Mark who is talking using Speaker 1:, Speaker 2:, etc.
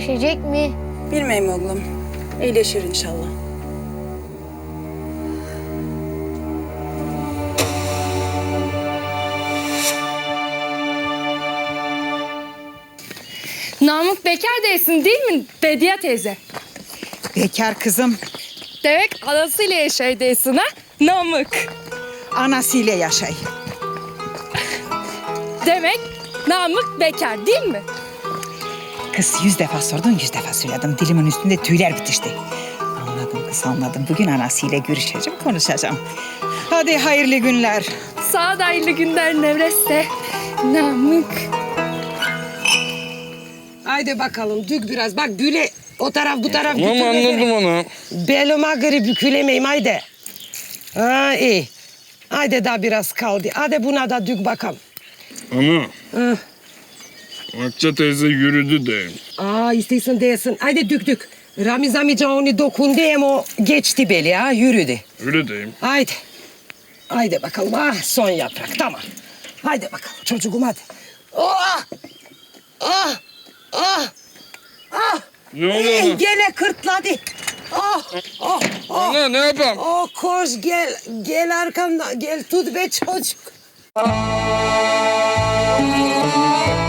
Speaker 1: iyileşecek mi?
Speaker 2: Bilmeyim oğlum. İyileşir inşallah.
Speaker 3: Namık bekar değilsin değil mi Bediye teyze?
Speaker 4: Bekar kızım,
Speaker 3: Demek anasıyla yaşay değilsin ha Namık.
Speaker 4: anasıyla yaşay.
Speaker 3: Demek Namık bekar değil mi?
Speaker 4: Kız 100 defa sordun, 100 defa söyledim. Dilimin üstünde tüyler bitişti. Anladım kız, anladım. Bugün anasıyla görüşeceğim, konuşacağım. Hadi hayırlı günler.
Speaker 3: Sağ da hayırlı günler Nevreste. Namık.
Speaker 5: Haydi bakalım dük biraz. Bak böyle o taraf bu taraf.
Speaker 6: Tamam anladım onu.
Speaker 5: Belime göre bükülemeyim haydi. Ha iyi. Haydi daha biraz kaldı. Hadi buna da dük bakalım.
Speaker 6: Ana.
Speaker 5: Hı.
Speaker 6: Akça teyze yürüdü de.
Speaker 5: İstiyorsun değilsin. Haydi dük. Ramiz amca onu dokundu ama o geçti beli ha yürüdü.
Speaker 6: Öyle deyim.
Speaker 5: Haydi. Haydi bakalım. Son yaprak tamam. Haydi bakalım çocuğum hadi. Oh! Ah! Ah! Ah!
Speaker 6: Ne oldu ana?
Speaker 5: Gene kırtladı. Oh! Oh! Oh!
Speaker 6: Ana ne yapayım?
Speaker 5: Oh koş gel arkamdan gel tut be çocuk.